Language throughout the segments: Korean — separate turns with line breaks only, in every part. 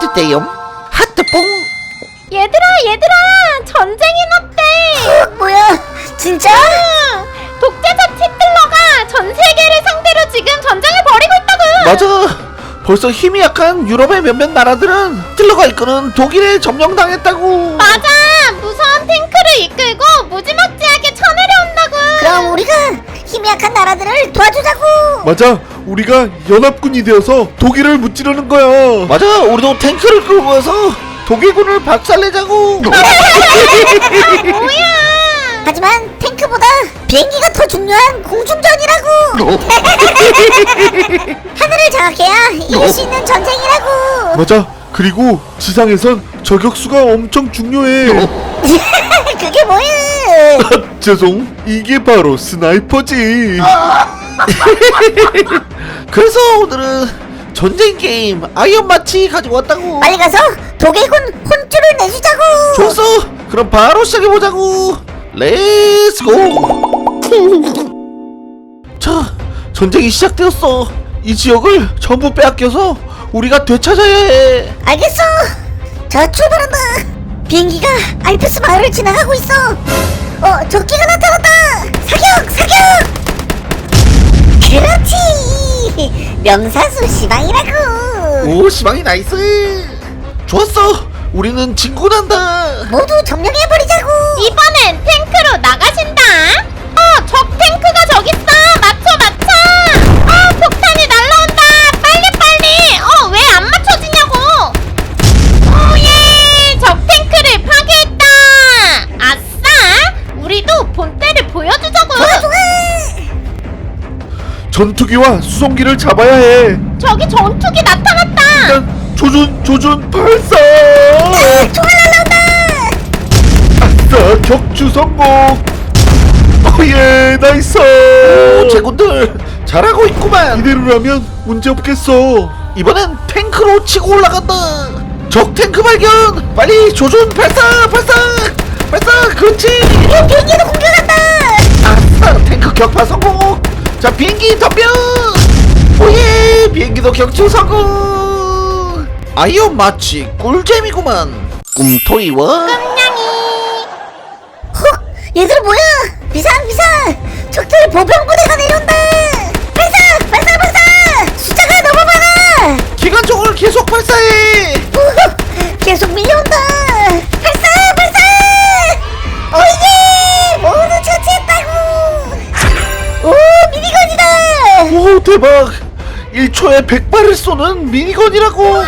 있대요. 하트뽕.
얘들아 전쟁이 났대.
뭐야 진짜?
독재자 히틀러가 전 세계를 상대로 지금 전쟁을 벌이고 있다고.
맞아. 벌써 힘이 약한 유럽의 몇몇 나라들은 히틀러가 이끄는 독일에 점령당했다고.
맞아. 무서운 탱크를 이끌고 무지막지하게 쳐내려온다고.
그럼 우리가 힘이 약한 나라들을 도와주자고.
맞아, 우리가 연합군이 되어서 독일을 무찌르는 거야.
맞아. 우리도 탱크를 끌고 가서 독일군을 박살내자고.
뭐야?
하지만 탱크보다 비행기가 더 중요한 공중전이라고. 하늘을 장악해야 이길 수 있는 전쟁이라고.
맞아, 그리고 지상에선 저격수가 엄청 중요해.
그게 뭐야?
죄송, 이게 바로 스나이퍼지.
그래서 오늘은 전쟁 게임 아이언 마치 가지고 왔다고.
빨리 가서 독일군 혼쭐을 내주자고.
좋았어. 그럼 바로 시작해보자고. 렛츠고. 자, 전쟁이 시작되었어. 이 지역을 전부 빼앗겨서 우리가 되찾아야 해.
알겠어. 자, 출발한다. 비행기가 알프스 마을을 지나가고 있어. 적기가 나타났다. 사격. 그렇지. 명사수 시방이라고.
오, 시방이 나이스. 좋았어. 우리는 진군한다.
모두 점령해버리자고.
이번엔 탱크로 나가신다. 적 탱크가 저기 있어. 맞춰. 폭탄이 날라온다. 빨리. 왜 안 맞춰지냐고. 오예, 적 탱크를 파괴했다. 아싸, 우리도 본때를 보여주자고.
좋아.
전투기와 수송기를 잡아야 해.
저기 전투기 나타났다.
일단 조준 발사.
총알 날라온다.
아싸, 격추 성공. 오예, 나이스.
오, 제군들 잘하고 있구만.
이대로라면 문제 없겠어.
이번엔 탱크로 치고 올라간다. 적 탱크 발견. 빨리 조준 발사. 그렇지.
비행기도 공격한다.
아싸, 탱크 격파 성공. 자, 비행기 덤벼. 오예, 비행기도 격추 성공. 아이언 마치 꿀잼이구만. 꿈토이와
얘들 뭐야? 비상. 적들 보병부대가 내려온다. 발사. 숫자가 너무 많아.
기관총을 계속 발사해.
계속 밀려온다. 발사. 오예, 모두 처치했다고. 오, 미니건이다.
오, 대박. 1초에 100발을 쏘는 미니건이라고.
우와,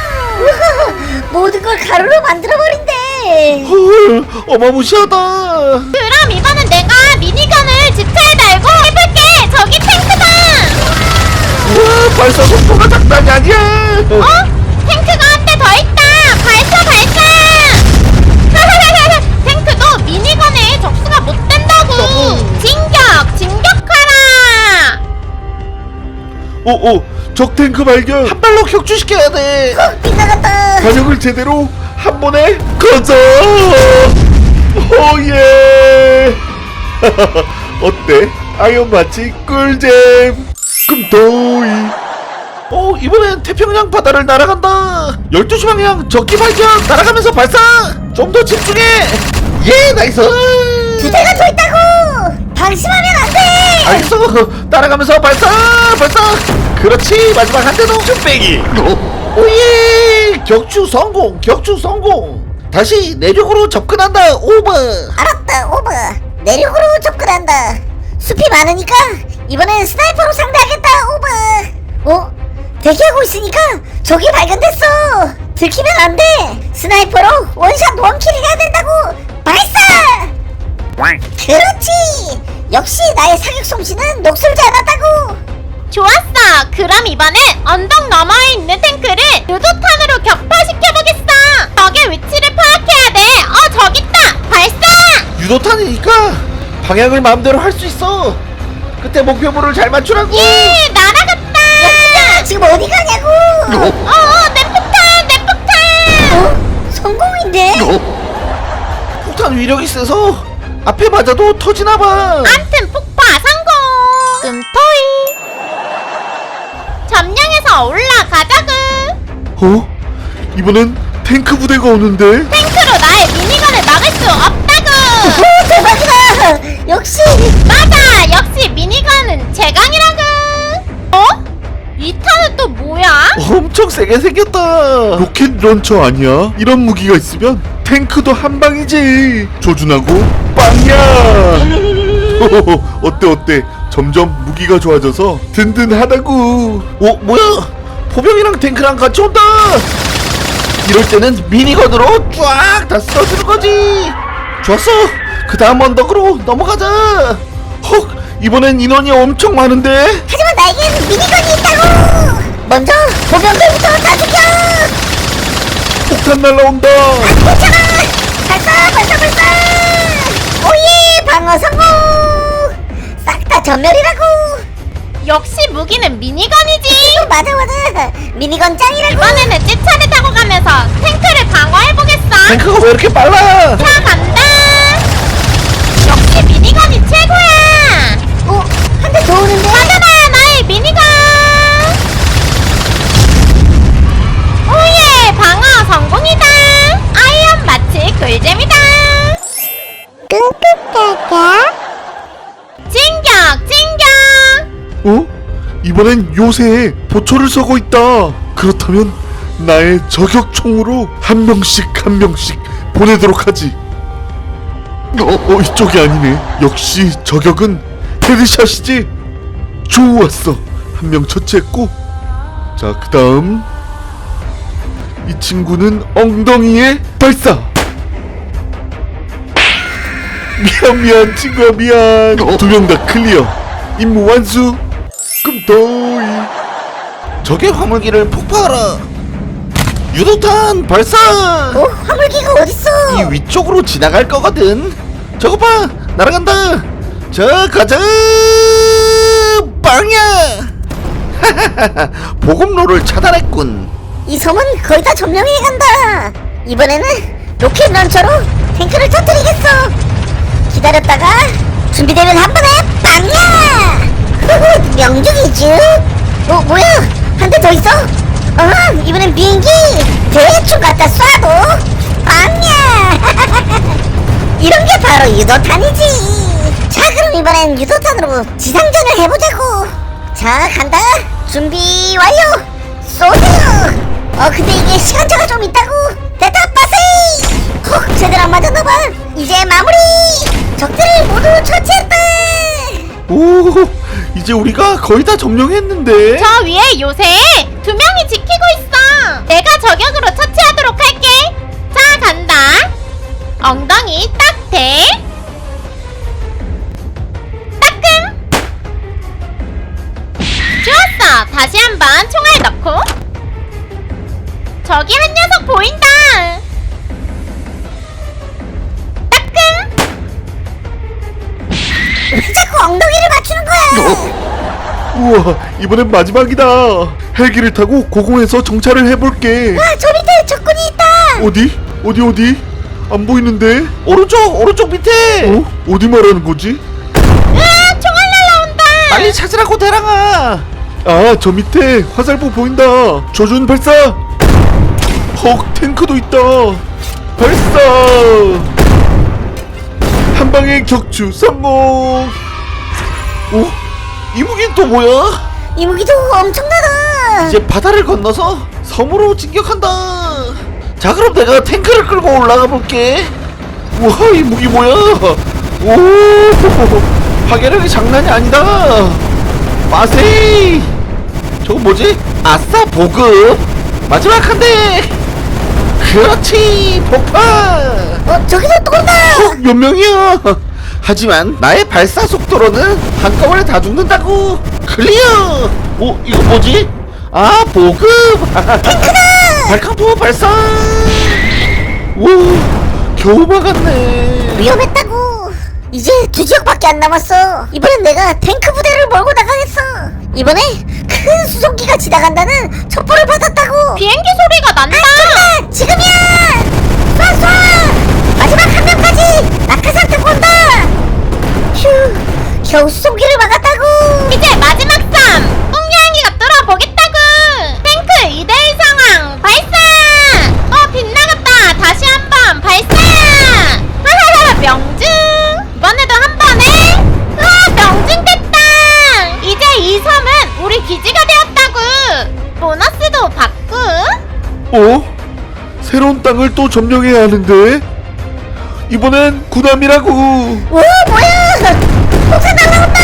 모든 걸 가루로 만들어버린대.
헐, 어마무시하다.
그럼 이번엔 내가 미니건을 지차에 달고 해볼게. 저기 탱크다.
우와, 발사 속도가 장난이 아니야.
탱크가 한 대 더 있다. 발사. 탱크도 미니건에 적수가 못 된다고. 진격하라.
적 탱크 발견.
한 발로 격추시켜야 돼.
빗나갔다.
반역을 제대로 한 번에 가자. 오예. 어때? 아이언 마치 꿀잼. 꿈토이.
이번엔 태평양 바다를 날아간다. 12시 방향 적기 발견. 날아가면서 발사. 좀 더 집중해. 예, 나이스.
두 대가 더 있다고. 방심하면 안 돼.
알겠어. 따라가면서 발사. 그렇지. 마지막 한 대도 쭈빼기. 오예, 격추 성공. 다시 내륙으로 접근한다. 오버.
알았다, 오버. 내륙으로 접근한다. 숲이 많으니까 이번엔 스나이퍼로 상대하겠다, 오버. 대기하고 있으니까 적이 발견됐어. 들키면 안 돼. 스나이퍼로 원샷 원킬 해야 된다고. 발사. 그렇지. 역시 나의 사격 솜씨는 녹슬지 않았다고.
좋았어. 그럼 이번엔 언덕 너머에 있는 탱크를 유도탄으로 격파시켜보겠어. 적의 위치를 파악해야 돼. 저기 있다. 발사.
유도탄이니까 방향을 마음대로 할 수 있어. 그때 목표물을 잘 맞추라고.
예, 날아갔다.
야, 지금 어디 가냐고.
내 폭탄.
성공인데.
폭탄 위력이 세서 앞에 맞아도 터지나봐.
암튼 폭파 성공. 끔토이. 점령해서 올라가자구.
이번엔 탱크 부대가 오는데?
탱크로 나의 미니건을 막을 수 없다고.
오 대박이다. 역시
맞아, 역시 미니건은 제강이라고. 어? 이 탄은 또 뭐야?
엄청 세게 생겼다.
로켓 런처 아니야? 이런 무기가 있으면 탱크도 한 방이지. 조준하고 빵야. 어때 어때? 점점 무기가 좋아져서 든든하다고.
뭐야? 포병이랑 탱크랑 같이 온다. 이럴 때는 미니건으로 쫙 다 쓸어주는 거지. 좋았어. 그 다음 언덕으로 넘어가자. 헉, 이번엔 인원이 엄청 많은데.
하지만 나에겐 미니건이 있다고. 먼저 보병들부터 다 죽여.
폭탄 날라온다.
괜찮아. 발사. 오예 방어 성공. 싹 다 전멸이라고.
역시 무기는 미니건이지.
맞아. 미니건 짱이라고.
이번에는 찌차를 타고 가면서 탱크를 방어해보겠어.
탱크가 왜 이렇게 빨라?
자, 간다. 역시 미니건이 최고야.
한 대 더 오는데.
받아라, 나의 미니건. 오예, 방어 성공이다. 아이언 마치 꿀잼이다. 진격.
이번엔 요새에 보초를 서고 있다. 그렇다면 나의 저격총으로 한 명씩 보내도록 하지. 이쪽이 아니네. 역시 저격은 헤드샷이지. 좋았어. 한 명 처치했고, 자 그 다음 이 친구는 엉덩이에 발사. 미안 친구야 미안. 두 명 다 클리어. 임무 완수. 금도이.
적의 화물기를 폭파하라. 유도탄 발사.
화물기가 어딨어?
이 위쪽으로 지나갈 거거든. 저거 봐, 날아간다. 자, 가자. 빵야. 보급로를 차단했군.
이 섬은 거의 다 점령해 간다. 이번에는 로켓 런처로 탱크를 터뜨리겠어. 기다렸다가 준비되면 한 번에 빵야. 후후, 명중이지. 뭐야? 한 대 더 있어? 이번엔 비행기 대충 갖다 쏴도 빵야. 이런 게 바로 유도탄이지. 자, 그럼 이번엔 유도탄으로 지상전을 해보자고. 자, 간다. 준비 완료. 쏘세요. 근데 이게 시간차가 좀 있다고. 됐다, 빠세이. 제대로 안 맞았나봐. 이제 마무리. 적들을 모두 처치했다.
오, 이제 우리가 거의 다 점령했는데.
저 위에 요새 2명이 지키고 있어. 내가 저격으로 처치하도록 할게. 자, 간다. 엉덩이 딱 대. 따끔. 좋았어. 다시 한번 총알 넣고. 저기 한 녀석 보인다. 따끔.
왜 자꾸 엉덩이를 맞추는 거야?
우와 이번엔 마지막이다. 헬기를 타고 고공에서 정찰을 해볼게.
저 밑에 적군이 있다.
어디? 안 보이는데?
오른쪽 밑에.
어디 말하는 거지?
으아, 총알 날라온다.
빨리 찾으라고 대랑아.
아 저 밑에 화살표 보인다. 조준 발사. 탱크도 있다. 발사. 한 방에 격추 성공.
이 무기는 또 뭐야?
이 무기도 엄청나다.
이제 바다를 건너서 섬으로 진격한다. 자, 그럼 내가 탱크를 끌고 올라가 볼게. 우와, 이 무기 뭐야? 오, 파괴력이 장난이 아니다. 마세이. 저거 뭐지? 아싸, 보급. 마지막 한 대. 그렇지, 폭파.
저기서 또 온다.
몇 명이야? 하지만 나의 발사 속도로는 한꺼번에 다 죽는다고. 클리어. 이거 뭐지? 아, 보급. 탱크다. 발칸포 발사. 오, 겨우 막았네.
위험했다고. 이제 2지역밖에 안 남았어. 이번엔 내가 탱크 부대를 몰고 나가겠어. 이번에 큰 수송기가 지나간다는 첩보를 받았다고.
비행기 소리가 난다.
잠깐! 지금이야! 쏴! 마지막 한 명까지 낙하산 타고 온다. 휴, 겨우 수송기를 막았다고.
이제 마지막 쌈. 꽁냥이가 뚫어보겠다고. 탱크 2대1 상황 발사.
어? 새로운 땅을 또 점령해야 하는데? 이번엔 구남이라고.
오 뭐야 폭탄 날라온다.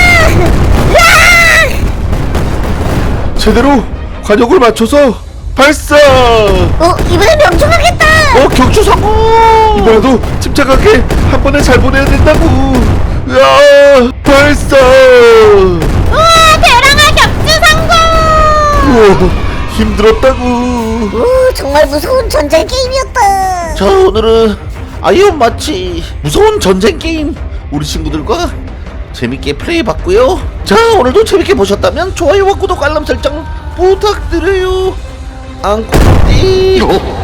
제대로 관역을 맞춰서 발사.
이번엔 명중하겠다.
격추 성공.
이번에도 침착하게 한 번에 잘 보내야 된다고. 으아, 발사.
우와 대랑아 격추 성공.
우와, 힘들었다고.
오 정말 무서운 전쟁 게임이었다.
자, 오늘은 아이언 마치 무서운 전쟁 게임 우리 친구들과 재밌게 플레이해봤고요. 자, 오늘도 재밌게 보셨다면 좋아요와 구독 알람 설정 부탁드려요. 앙코띠.